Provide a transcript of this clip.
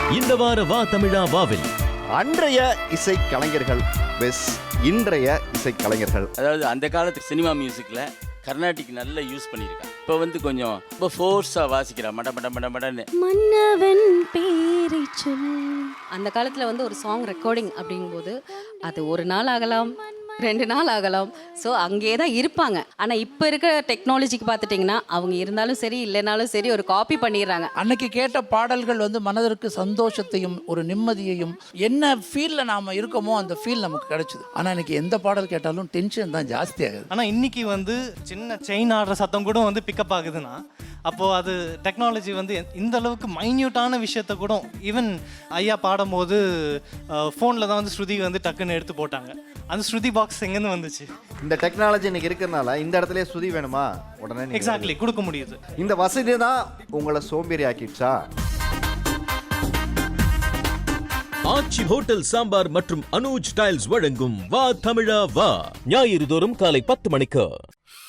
இந்த வார வா தமிழா வாவில் அன்றைய இசை கலைஞர்கள் வெஸ் இன்றைய இசை கலைஞர்கள். அதாவது அந்த காலத்து சினிமா மியூசிக்கில் கர்நாடிக் நல்லா யூஸ் பண்ணியிருக்காங்க. இப்போ வந்து கொஞ்சம் ரொம்ப ஃபோர்ஸாக வாசிக்கிறா மடன்னு மன்னவன் பேரை சொல். அந்த காலத்தில் வந்து ஒரு சாங் ரெக்கார்டிங் அப்படிங்கும்போது அது ஒரு நாள் ஆகலாம், 2 நாள் ஆகலாம். ஸோ அங்கே தான் இருப்பாங்க. ஆனால் இப்போ இருக்கிற டெக்னாலஜிக்கு பார்த்துட்டிங்கன்னா அவங்க இருந்தாலும் சரி இல்லைனாலும் சரி ஒரு காப்பி பண்ணிடுறாங்க. அன்னைக்கு கேட்ட பாடல்கள் வந்து மனதிற்கு சந்தோஷத்தையும் ஒரு நிம்மதியையும் என்ன ஃபீலில் நாம் இருக்கோமோ அந்த ஃபீல் நமக்கு கிடைச்சிது. ஆனால் இன்னைக்கு எந்த பாடல் கேட்டாலும் டென்ஷன் தான் ஜாஸ்தி ஆகுது. ஆனால் இன்னைக்கு வந்து சின்ன செயின் ஆடுற சத்தம் கூட வந்து பிக்கப் ஆகுதுன்னா அப்போது அது டெக்னாலஜி வந்து இந்த அளவுக்கு மைன்யூட்டான விஷயத்த கூட ஈவன் ஐயா பாடும்போது ஃபோனில் தான் வந்து ஸ்ருதி வந்து டக்குன்னு எடுத்து போட்டாங்க. அந்த ஸ்ருதி பாக்ஸ் எங்கேருந்து வந்துச்சு? இந்த டெக்னாலஜி இன்னைக்கு இருக்கிறதுனால இந்த இடத்துல ஸ்ருதி வேணுமா உடனே எக்ஸாக்ட்லி கொடுக்க முடியுது. இந்த வசதி தான் உங்களை சோம்பேறி ஆக்கிடுச்சா? ஆச்சி ஹோட்டல் சாம்பார் மற்றும் அனுஜ் டைல்ஸ் வழங்கும் வா தமிழா வா ஞாயிறு தோறும் காலை 10 மணிக்கு.